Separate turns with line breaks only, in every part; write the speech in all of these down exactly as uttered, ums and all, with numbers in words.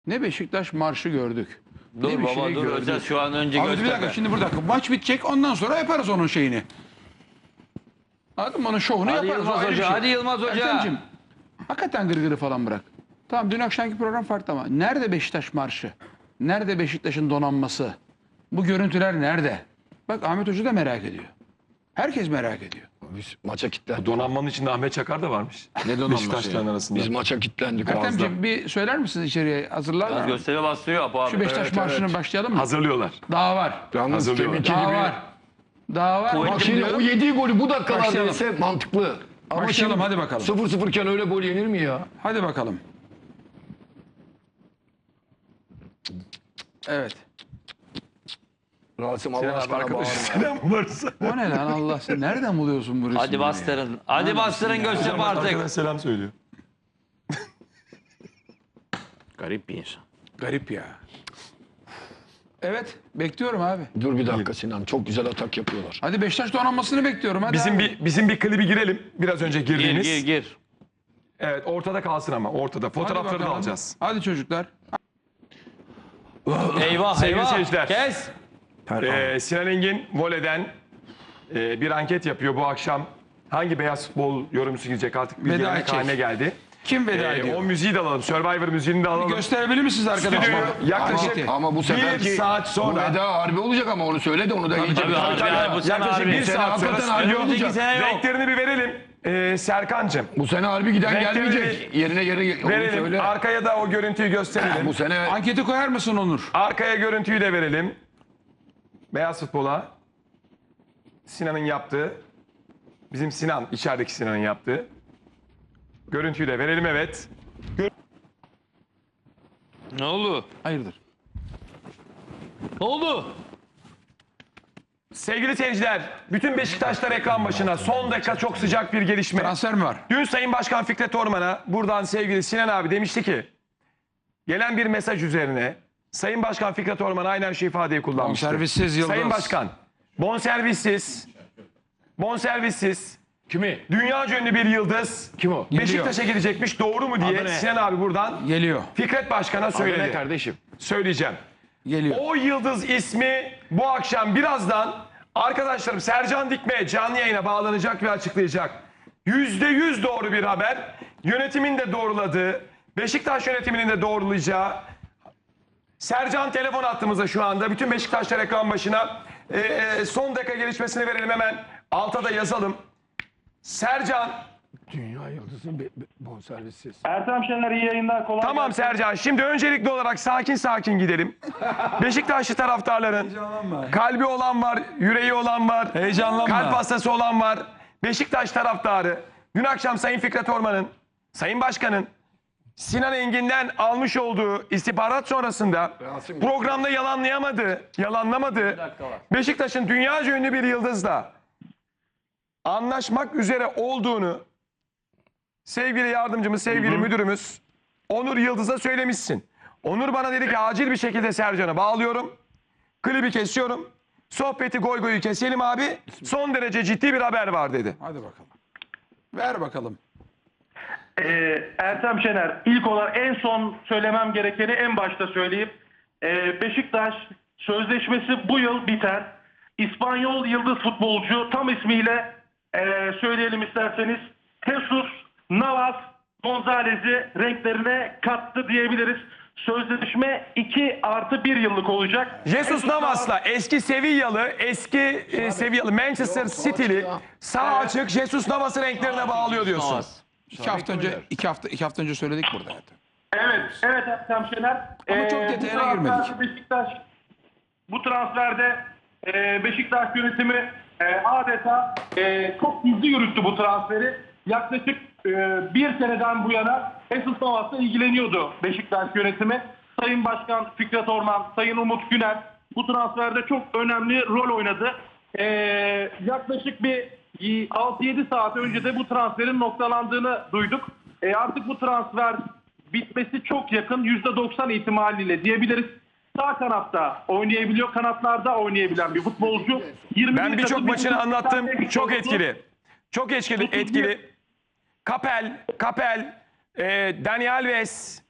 ne Beşiktaş marşı gördük.
Dur
ne bir
baba
şey
dur
gördük.
Özel şu an önce
Abi bir
gösterme.
dakika şimdi burada maç bitecek ondan sonra yaparız onun şeyini. Anladın mı? Onun şovunu
Hadi
yaparız.
Yılmaz
o ayrı bir
Hoca,
şey.
hadi Yılmaz Hoca.
Ertemciğim, hakikaten gırgırı falan bırak. Tamam dün akşamki program farklı ama nerede Beşiktaş marşı? Nerede Beşiktaş'ın donanması? Bu görüntüler nerede? Bak Ahmet Hoca da merak ediyor. Herkes merak ediyor.
Biz maça kilitlendik.
Donanmanın içinde Ahmet Çakar da varmış.
Ne donanması
Beşiktaşların
ya?
arasında.
Biz maça kilitlendik. ağızda.
Ertemciğim bir söyler misiniz içeriye? Hazırlar
Biraz
mı?
gösteri bastırıyor Apo abi.
Şu Beşiktaş
Evet,
marşını
evet.
başlayalım mı?
Hazırlıyorlar.
Daha var.
Yalnız
Hazırlıyorlar.
tehlikeli
Daha
bir...
var. Daha var.
Kuvvetli
Bak
Bak
şimdi
şimdi
o yediği golü bu dakikalarda
Başlayalım.
yese mantıklı. Ama
Başlayalım,
şimdi
hadi bakalım.
sıfır sıfır iken öyle gol yenir mi ya?
Hadi bakalım. Evet.
Rasim
Sinan
Allah
abi
aşkına
arkadaşı
bağırma.
selam varsa.
O ne lan Allah sen nereden buluyorsun bu resimleri?
Hadi
ya?
bastırın. Hadi bastırın Göztepe
Hocam
artık.
arkadaş selam söylüyor.
Garip bir insan.
Garip ya. Evet bekliyorum abi.
Dur bir dakika Sinan. Çok güzel atak yapıyorlar.
Hadi Beşiktaş donanmasını bekliyorum. Hadi
Bizim
abi.
bir bizim bir klibi girelim. Biraz önce
Gir
girdiğimiz.
gir gir.
Evet ortada kalsın ama ortada.
Hadi
Fotoğrafları da
bakalım.
alacağız.
Hadi çocuklar.
Eyvah
Sevgili
eyvah.
seyirciler.
Kes.
Ee, Sinan Engin voleyden e, bir anket yapıyor bu akşam. Hangi beyaz futbol yorumcusu gidecek artık bir
Veda
gelenek
edecek.
haline geldi.
Kim veda
Ee,
ediyor?
o müziği de alalım. Survivor müziğini de alalım.
Gösterebilir misiniz arkadaşlar?
Stüdyoyu yaklaşık
Anketi.
Ama bu
bir
seferki
saat sonra.
bu veda harbi olacak ama onu söyle de onu da iyice.
tabii, harbi,
Tabii,
harbi. Bu sene
Yaklaşık
harbi.
bir
Bu sene
saat sonra
hakikaten harbi
stüdyo
olacak.
sene yok.
renklerini bir verelim. Ee, Serkan'cığım.
Bu sene harbi giden
Renkleri
gelmeyecek. Yerine yeri onu
Verelim.
söyle.
Arkaya da o görüntüyü gösterelim.
Bu sene
Anketi koyar mısın Onur?
Arkaya görüntüyü de verelim. Beyaz futbola. Sinan'ın yaptığı. Bizim Sinan, içerideki Sinan'ın yaptığı. Görüntüyü de verelim evet.
Ne oldu?
Hayırdır?
Ne oldu?
Sevgili seyirciler, bütün Beşiktaşlar ekran başına. Son dakika çok sıcak bir gelişme.
Transfer mi var?
Dün Sayın Başkan Fikret Orman'a buradan sevgili Sinan abi demişti ki gelen bir mesaj üzerine Sayın Başkan Fikret Orman aynen şu ifadeyi kullanmıştı.
Bonservissiz Yıldız.
Sayın Başkan, bonservissiz, bonservissiz,
kimi?
dünyaca ünlü bir yıldız
Kim o?
Beşiktaş'a gidecekmiş doğru mu diye
Adı ne?
Sinan abi buradan
Geliyor.
Fikret Başkan'a
Adı ne
söyledi.
kardeşim?
Söyleyeceğim.
Geliyor.
O yıldız ismi bu akşam birazdan arkadaşlarım Sercan Dikme canlı yayına bağlanacak ve açıklayacak. Yüzde yüz doğru bir haber. Yönetimin de doğruladığı, Beşiktaş yönetiminin de doğrulayacağı. Sercan telefon attığımızda şu anda. Bütün Beşiktaşlar ekran başına. Ee, e, son dakika gelişmesini verelim hemen. Alta da yazalım. Sercan.
Dünya yıldızı be- be- bonservissiz.
Ertem Şener iyi yayınlar. Kolay
Tamam
gelsin.
Sercan. Şimdi öncelikli olarak sakin sakin gidelim. Beşiktaşlı taraftarların kalbi olan var, yüreği olan var.
Heyecanlanma.
Kalp hastası olan var. Beşiktaş taraftarı. Dün akşam Sayın Fikret Orman'ın, Sayın Başkan'ın Sinan Engin'den almış olduğu istihbarat sonrasında
Rasim-
programda yalanlayamadı, yalanlamadı. Beşiktaş'ın dünyaca ünlü bir yıldızla anlaşmak üzere olduğunu sevgili yardımcımız, sevgili müdürümüz Onur Yıldız'a söylemişsin. Onur bana dedi ki acil bir şekilde Sercan'ı bağlıyorum. Klibi kesiyorum. Sohbeti goy goyu keselim abi. Son derece ciddi bir haber var dedi.
Hadi bakalım. Ver bakalım.
Ee, Ertem Şener ilk olarak en son söylemem gerekeni en başta söyleyeyim. Ee, Beşiktaş sözleşmesi bu yıl biter. İspanyol yıldız futbolcu tam ismiyle e, söyleyelim isterseniz Jesus Navas Gonzalez'i renklerine kattı diyebiliriz. Sözleşme iki artı bir yıllık olacak.
Jesus Navas'la eski Sevillalı, eski e, Sevillalı Manchester City'li sağ açık Jesus Navas'ı renklerine bağlıyor diyorsun.
Navas.
İki hafta önce, iki hafta, iki hafta önce söyledik burada. zaten.
Evet, evet Ertem Şener.
Ama çok
Ee, bu
detayına
transferde
girmedik.
Beşiktaş, bu transferde e, Beşiktaş yönetimi e, adeta e, çok hızlı yürüttü bu transferi. Yaklaşık e, bir seneden bu yana Jesus Navas'la ilgileniyordu Beşiktaş yönetimi. Sayın Başkan Fikret Orman, Sayın Umut Güner bu transferde çok önemli rol oynadı. E, yaklaşık bir altı yedi saat önce de bu transferin noktalandığını duyduk. E, artık bu transfer bitmesi çok yakın, yüzde doksan ihtimaliyle diyebiliriz. Sağ kanatta oynayabiliyor, kanatlarda oynayabilen bir futbolcu. yirmi
Ben
bir
birçok
takım
maçını
Beşiktaş'tan
anlattım.
tek
Çok
oldu.
etkili. Çok etkili. etkili. Kapel, Kapel, e, Dani Alves,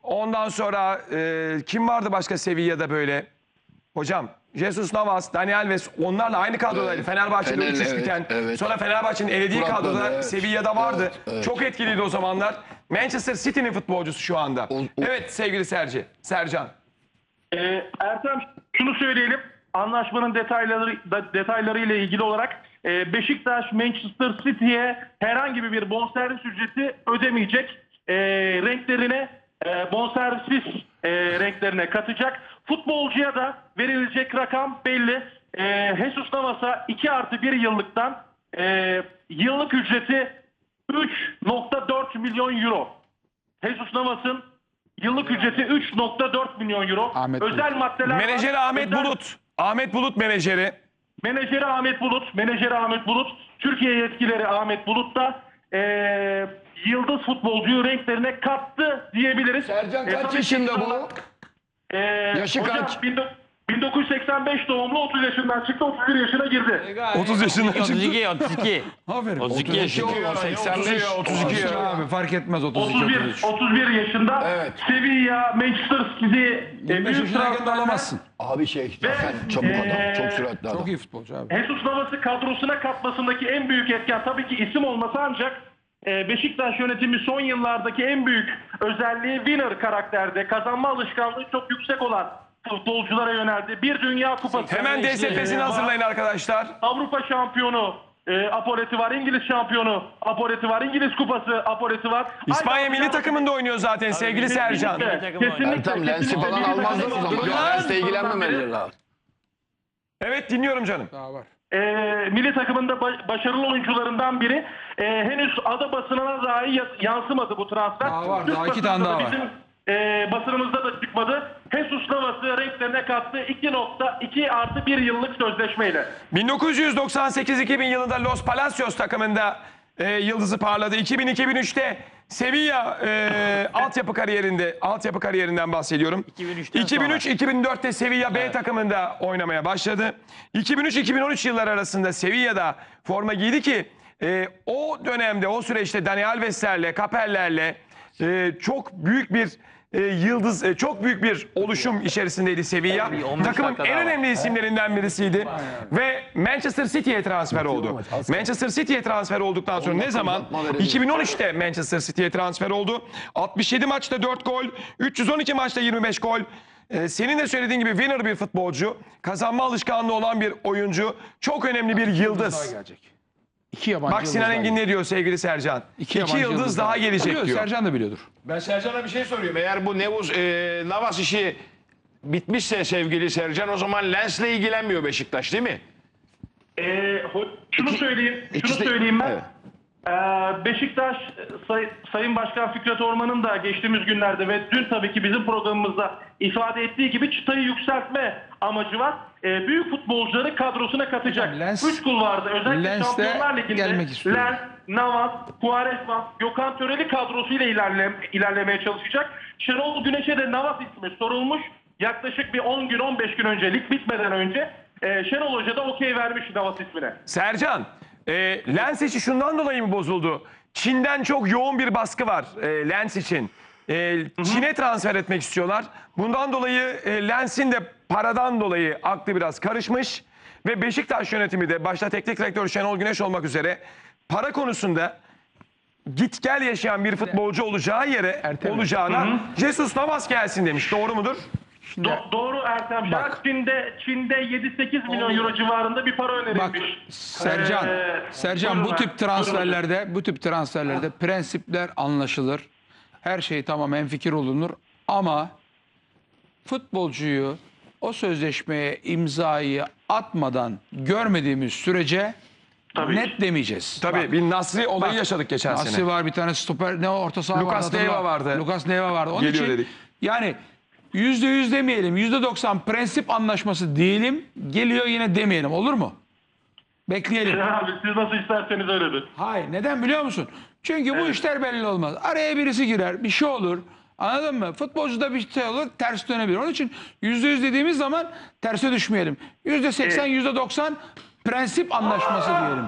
Ondan sonra e, kim vardı başka Sevilla'da böyle? Hocam Jesus Navas, Dani Alves onlarla aynı kadrodaydı.
Evet.
Fenerbahçe'de
Fener,
üç üç
evet,
biten.
evet.
Sonra Fenerbahçe'nin elediği
Burak'la
kadroda
da, evet.
Sevilla'da vardı.
Evet, evet.
Çok etkiliydi o zamanlar. Manchester City'nin futbolcusu şu anda.
O- o-
Evet sevgili Serci, Sercan.
Ee, Ertem şunu söyleyelim. Anlaşmanın detayları da, detayları ile ilgili olarak e, Beşiktaş Manchester City'ye herhangi bir bonservis ücreti ödemeyecek. E, renklerine e, bonservis e, renklerine katacak. Futbolcuya da verilecek rakam belli. E, Jesus Navas'a iki artı bir yıllıktan e, yıllık ücreti üç nokta dört milyon euro. Jesus Navas'ın yıllık ücreti üç nokta dört milyon euro.
Ahmet
Özel
Bulut.
maddeler var.
Menajeri Ahmet
Özel-
Bulut. Ahmet Bulut menajeri.
Menajeri Ahmet Bulut. Menajeri Ahmet Bulut. Türkiye yetkileri Ahmet Bulut da eee, yıldız futbolcuyu renklerine kattı diyebiliriz.
Sercan
E,
kaç
tabii
yaşında
ki-
bu?
Eee,
Yaşı
hocam,
kaç?
bin dok- bin dokuz yüz seksen beş doğumlu, otuz yaşından çıktı, otuz bir yaşına girdi.
otuz yaşından çıktı.
otuz iki, otuz iki.
Aferin.
otuz iki yaşında.
seksen beş,
otuz iki ya.
Abi fark etmez otuz iki
otuz bir,
otuz üç.
otuz bir yaşında
Evet.
Sevilla, Manchester City, e,
yirmi beş
büyük
yaşındayken de
transferler.
alamazsın.
Abi şey zaten çabuk
Ee,
adam. Çok süratli adam.
Çok iyi futbolcu abi.
Jesus Navas'ı kadrosuna katmasındaki en büyük etken tabii ki isim olması, ancak e, Beşiktaş yönetimi son yıllardaki en büyük özelliği winner karakterde, kazanma alışkanlığı çok yüksek olan futbolculara yöneldi. Bir Dünya Kupası.
Hemen D S P'sini
e,
hazırlayın arkadaşlar.
Avrupa şampiyonu e, apoleti var, İngiliz şampiyonu apoleti var, İngiliz kupası apoleti var.
İspanya
Aynı
milli
zamanda-
takımında oynuyor zaten sevgili Sercan.
Kesinlikle,
takım
kesinlikle,
Ertem lensi
kesinlikle
falan
milli
almazlar o
takımda-
zaman.
Dur
Ya
lan!
lensle ilgilenmemeleri lazım.
Evet dinliyorum canım.
Daha var.
e, milli takımında ba- başarılı oyuncularından biri. E, henüz ada basınına dahi ya- yansımadı bu transfer.
Daha var,
Türk
daha iki
basınında
tane daha
da
var.
Bizim e, basınımızda da çıkmadı. Jesus Navas'ı renklerine kattı. iki nokta iki artı bir yıllık sözleşmeyle.
bin dokuz yüz doksan sekiz iki bin yılında Los Palacios takımında e, yıldızı parladı. iki bin iki bin üçte Sevilla e, altyapı kariyerinde altyapı kariyerinden bahsediyorum.
iki bin üçten
iki bin üç
sonra.
iki bin dörtte Sevilla B takımında oynamaya başladı. iki bin üç iki bin on üç yılları arasında Sevilla'da forma giydi ki e, o dönemde o süreçte Dani Alves'lerle, Kapel'lerle e, çok büyük bir e, yıldız, e, çok büyük bir oluşum içerisindeydi Sevilla.
Bir on beş
Takımın
dakika
en
daha var.
önemli isimlerinden birisiydi. Ve Manchester City'ye transfer oldu. Manchester City'ye transfer olduktan sonra ne zaman?
uzatma verelim.
iki bin on üçte Manchester City'ye transfer oldu. altmış yedi maçta dört gol, üç yüz on iki maçta yirmi beş gol. Ee, senin de söylediğin gibi winner bir futbolcu, kazanma alışkanlığı olan bir oyuncu, çok önemli bir
Daha
yıldız.
gelecek. İki yabancı
Bak Sinan
yıldız
Engin
daha
ne diyor sevgili Sercan? İki,
yabancı
yıldız daha gelecek
Biliyor,
diyor.
Sercan da biliyordur.
Ben Sercan'a bir şey soruyorum. Eğer bu Nevuz e, Navas işi bitmişse sevgili Sercan, o zaman Lens'le ilgilenmiyor Beşiktaş değil mi?
Ee, ho- şunu söyleyeyim, şunu
ikisi de-
söyleyeyim ben.
Evet.
Ee, Beşiktaş Say- Sayın Başkan Fikret Orman'ın da geçtiğimiz günlerde ve dün tabii ki bizim programımızda ifade ettiği gibi çıtayı yükseltme amacı var. Ee, büyük futbolcuları kadrosuna katacak.
Hocam, Lens-
Üç kulvarda özellikle
Lens de
Şampiyonlar Ligi'nde
gelmek istiyor.
Lens, Navas, Quaresma, Gökhan Töreli kadrosuyla ilerle, ilerlemeye çalışacak. Şenol Güneş'e de Navas ismi sorulmuş. Yaklaşık bir on gün on beş gün önce, lig bitmeden önce e, Şenol Hoca da okey vermiş Navas ismine.
Sercan, e, Lens işi şundan dolayı mı bozuldu? Çin'den çok yoğun bir baskı var e, Lens için. E, Çin'e transfer etmek istiyorlar. Bundan dolayı e, Lens'in de paradan dolayı aklı biraz karışmış. Ve Beşiktaş yönetimi de başta teknik direktör Şenol Güneş olmak üzere para konusunda git gel yaşayan bir futbolcu olacağı yere
Ertem.
olacağına Jesus Navas gelsin demiş. Doğru mudur?
Do- doğru Ertem Şener.
Bak.
Çin'de, Çin'de yedi sekiz milyon euro civarında bir para
Bak
önerilmiş.
Sercan,
Ee,
Sercan
buyurun
bu
abi,
tip transferlerde, bu tip transferlerde prensipler anlaşılır. Her şey tamam, hemfikir olunur ama futbolcuyu o sözleşmeye imzayı atmadan görmediğimiz sürece
Tabii
net
ki.
demeyeceğiz.
Tabii
Bak,
bir Nasri olayı
bak,
yaşadık geçen
Nasri
sene.
var, bir tane stoper, ne o, orta saha
Lucas
vardı,
Leiva
hatırla.
vardı.
Lucas Leiva vardı. Onun
Geliyor
için
dedik.
yani yüzde yüz demeyelim, yüzde doksan prensip anlaşması diyelim, geliyor yine demeyelim, olur mu? Bekleyelim.
Abi siz nasıl isterseniz öyledir.
Hayır, neden biliyor musun? Çünkü bu işler belli olmaz. Araya birisi girer, bir şey olur. Anladın mı? Futbolcuda bir şey olur, ters dönebilir. Onun için yüzde yüz dediğimiz zaman terse düşmeyelim. Yüzde seksen, yüzde doksan prensip anlaşması diyelim.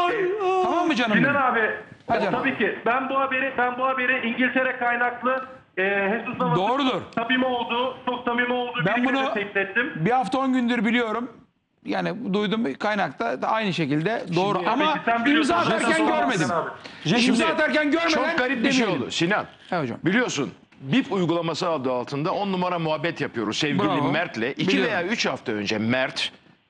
Tamam mı canım
Sinan
benim?
abi,
Hadi
tabii ki ben bu haberi ben bu haberi İngiltere kaynaklı e, Jesus Navas'ın
Doğrudur.
samimi olduğu, çok samimi olduğu
Ben
bir
bunu-
bunu... tespit ettim.
Bir hafta on gündür biliyorum. Yani duydum bir kaynakta da aynı şekilde doğru ama
Peki, sen biliyorsun,
imza atarken
Jesus Navas
görmedim.
abi.
İmza atarken görmeden
Çok garip bir şey
demeyelim.
oldu Sinan.
Evet hocam.
Biliyorsun B I P uygulaması adı altında on numara muhabbet yapıyoruz sevgili
Bravo.
Mert'le. iki
Biliyorum.
veya üç hafta önce Mert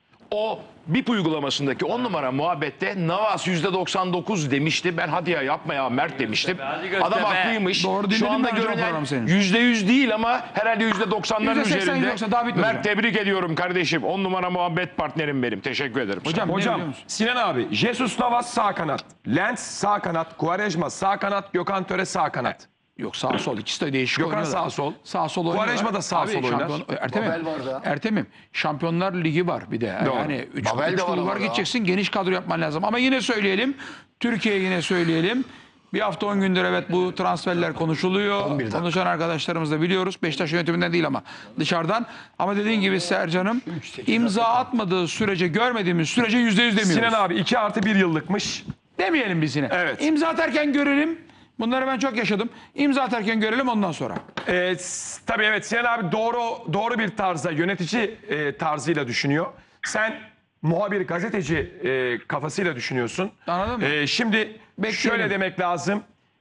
o B I P uygulamasındaki on numara muhabbette Navas yüzde doksan dokuz demişti. Ben hadi ya yapma ya Mert demiştim.
Hadi Göztepe.
Adam haklıymış.
Doğru dinledim
Şu anda
ben hocam
görünen
programı senin.
yüzde yüz değil ama herhalde yüzde doksanların
yüzde seksen,
üzerinde.
yoksa daha bitmedi hocam.
Mert tebrik ediyorum kardeşim. on numara muhabbet partnerim benim. Teşekkür ederim.
Hocam, ne
Hocam
biliyor musun?
Sinan abi, Jesus Navas sağ kanat, Lens sağ kanat, Quaresma sağ kanat, Gökhan Töre sağ kanat.
Yok sağ sol ikisi de değişik
Gökhan
oynuyorlar.
sağ sol.
Sağ sol oynuyorlar.
Quaresma da sağ
Abi,
sol oynar.
şampiyon- Ertem'im.
Babel var da.
Ertem'im. Şampiyonlar Ligi var bir de.
Doğru.
Yani üç,
Babel
üç
de var
kulvar
ama
gideceksin. Geniş kadro yapman lazım. Ama yine söyleyelim. Türkiye'ye yine söyleyelim. Bir hafta on gündür evet bu transferler konuşuluyor.
on bir dakika.
Konuşan arkadaşlarımız da biliyoruz. Beşiktaş yönetiminden değil ama dışarıdan. Ama dediğin gibi Sercan'ım imza atmadığı sürece görmediğimiz sürece yüzde yüz demiyoruz.
Sinan abi iki artı bir yıllıkmış.
Demeyelim biz yine.
Evet.
İmza atarken görelim. Bunları ben çok yaşadım. İmza atarken görelim ondan sonra.
Ee, s- tabii evet Sinan abi doğru doğru bir tarzda yönetici e, tarzıyla düşünüyor. Sen muhabir gazeteci e, kafasıyla düşünüyorsun.
Anladın mı?
Ee, şimdi
Bekleyelim.
şöyle demek lazım.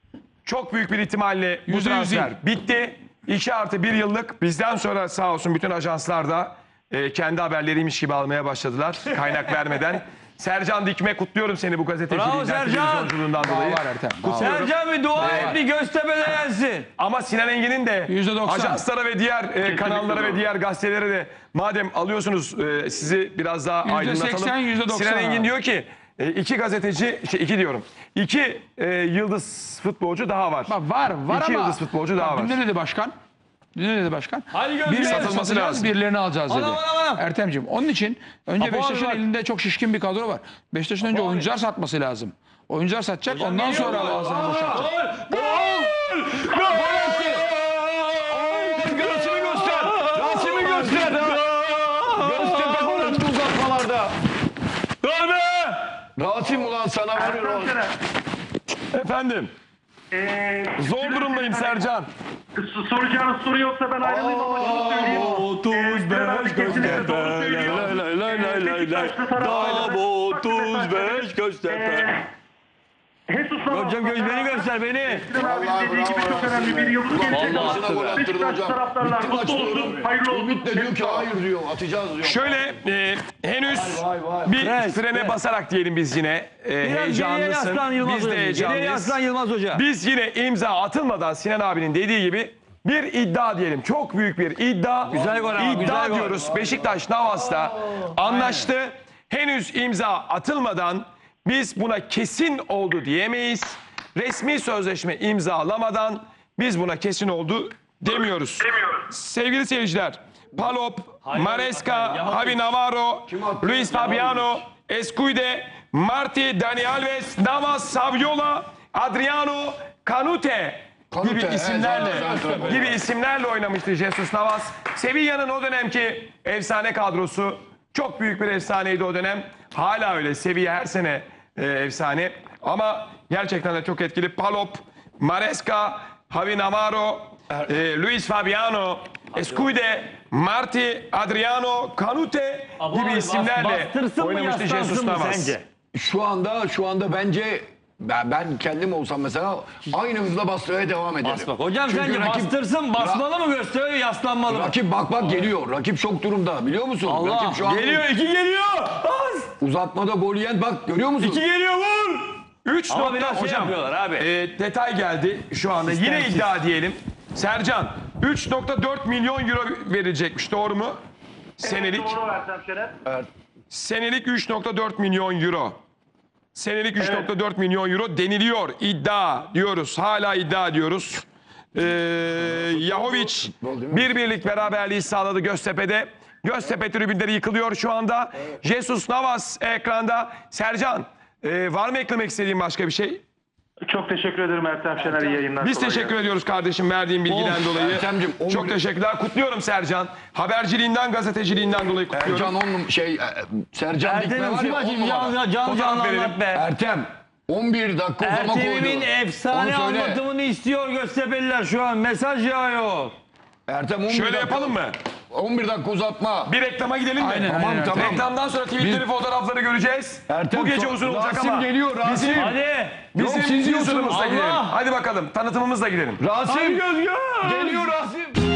Çok büyük bir ihtimalle bu
Yüzde yüz
transfer
değil.
bitti. iki artı bir yıllık bizden sonra sağ olsun bütün ajanslar da e, kendi haberleriymiş gibi almaya başladılar. Kaynak vermeden. Sercan Dikme kutluyorum seni bu gazeteciliğinden,
Bravo Sercan.
televizyonculuğundan
Daha
dolayı.
var Ertem. daha var.
Sercan bir dua et bir Göztepe'de yensin.
Ama Sinan Engin'in de
yüzde doksan.
ajanslara ve diğer e, kanallara ve diğer gazetelere de madem alıyorsunuz e, sizi biraz daha
yüzde
aydınlatalım.
seksen, yüzde doksan
Sinan Engin
abi.
diyor ki e, iki gazeteci, şey iki diyorum. İki e, yıldız futbolcu daha var.
Bak var var
İki
ama.
yıldız futbolcu daha
Bak,
var.
dün ne dedi başkan? Dün ne dedi başkan?
Hadi Göztepe.
Birilerini
satılması
satacağız,
lazım.
birilerini alacağız dedi.
Anam, anam, anam.
Ertemciğim onun için önce
Apo
Beşiktaş'ın
abi bak.
elinde çok şişkin bir kadro var. Beşiktaş'ın önce oyuncular satması lazım. Oyuncular satacak ondan
geliyor
sonra
mu?
ağzını boşaltacak.
Rasim'i göster. Rasim'i göster. Göztepe gol uzatmalarda.
Rasim ulan sana vuruyor.
Efendim
Ee,
zor durumdayım Sercan.
s- soracağınız soru yoksa ben ayrılayım ama şunu söyleyeyim. otuz beş Göztepe. Doğru söylüyor. Beşiktaşlı taraftarları-
otuz beş Göztepe.
Jesus Navas.
Hocam göz beni göster beni.
Sinan abinin dediği gibi çok önemli bir yıldız gelecek.
Vallahi gol attırdı
Beşiktaş
hocam.
taraftarlar
Bitti maç
mutlu olsun.
diyorum.
Hayırlı olsun.
Ümit de diyor ki hayır diyor atacağız diyor.
Şöyle e, henüz bir
Pres,
frene
pres.
basarak diyelim biz yine. E,
Biraz geriye
heyecanlısın.
yaslan Yılmaz
Biz de
Hoca. Geriye
heyecanlıyız.
yaslan Yılmaz Hoca.
Biz yine imza atılmadan Sinan abinin dediği gibi bir iddia diyelim. Çok büyük bir iddia.
Güzel gol ama,
İddia
güzel gol.
diyoruz. Beşiktaş Navas'ta anlaştı. Henüz imza atılmadan biz buna kesin oldu diyemeyiz. Resmi sözleşme imzalamadan biz buna kesin oldu demiyoruz. Sevgili seyirciler, Palop, Maresca, Javi Navarro, Luis Fabiano, Escuide, Marti, Dani Alves, Navas, Saviola, Adriano, Canute gibi
Canute,
isimlerle
evet, evet, evet.
gibi isimlerle oynamıştı Jesus Navas. Sevilla'nın o dönemki efsane kadrosu çok büyük bir efsaneydi o dönem. Hala öyle. Sevilla her sene e, efsane. Ama gerçekten de çok etkili. Palop, Maresca, Javi Navarro, e, Luis Fabiano, Escuide, Marti, Adriano, Canute gibi isimlerle
Bastırsın mı
oynamıştı Jesus
yaslansın mı
Navas.
sence?
Şu anda şu anda bence ben, ben kendim olsam mesela aynı hızla bastırmaya devam ederim.
Bas bak. Hocam
Çünkü
sence
rakip-
bastırsın basmalı mı gösteriyor yaslanmalı mı?
Rakip bak bak geliyor. Rakip şok durumda biliyor musun?
Allah,
Rakip şu an
geliyor iki geliyor. Bas.
uzatmada gol yiyen bak görüyor musun?
İki geliyor vur.
üç
Ama
nokta
biraz şey
hocam.
yapıyorlar abi.
E, detay geldi şu anda. Yine
Sistemsiz.
iddia diyelim. Sercan üç nokta dört milyon euro verilecekmiş. Doğru mu? Senelik.
Doğru Ertem Şener.
Senelik üç nokta dört milyon euro. Senelik üç nokta dört milyon euro deniliyor. İddia diyoruz. Hala iddia diyoruz. Ee, Yahovic bir birlik beraberliği sağladı Göztepe'de. Göztepe tribünleri yıkılıyor şu anda. Jesus Navas ekranda. Sercan e, var mı eklemek istediğin başka bir şey?
Çok teşekkür ederim Ertem Şener. İyi yayınlar.
Biz
Kolay
teşekkür
gelsin.
ediyoruz kardeşim verdiğin bilgiden dolayı.
Ertem'cim, on
Çok
milyon-
teşekkürler. Kutluyorum Sercan. Haberciliğinden, gazeteciliğinden dolayı kutluyorum.
Ercan on num- şey e, Sercan Dikme
Ertem'im
var
şu
ya on
maçı
numara.
canlı canlı
Fotoğraf
canlı
verelim.
anlat be.
Ertem on bir dakika uzama koydu.
Ertem'imin efsane
Onu söyle.
anlatımını istiyor Göztepe'liler şu an. Mesaj yağıyor.
Ertem on bir
Şöyle
dakika,
yapalım mı?
on bir dakika uzatma.
Bir reklama gidelim mi?
Aynen,
Tamam
aynen.
tamam.
Reklamdan sonra tweetleri, fotoğrafları göreceğiz.
Ertem,
Bu gece
so-
uzun olacak
Rasim
ama.
geliyor, Rasim.
Bizim,
Hadi.
bizim
Yok, siz
teaser'ımızla
diyorsunuz.
gidelim.
Allah!
Hadi bakalım tanıtımımızla gidelim.
Rasim
Hadi göz göz.
geliyor Rasim.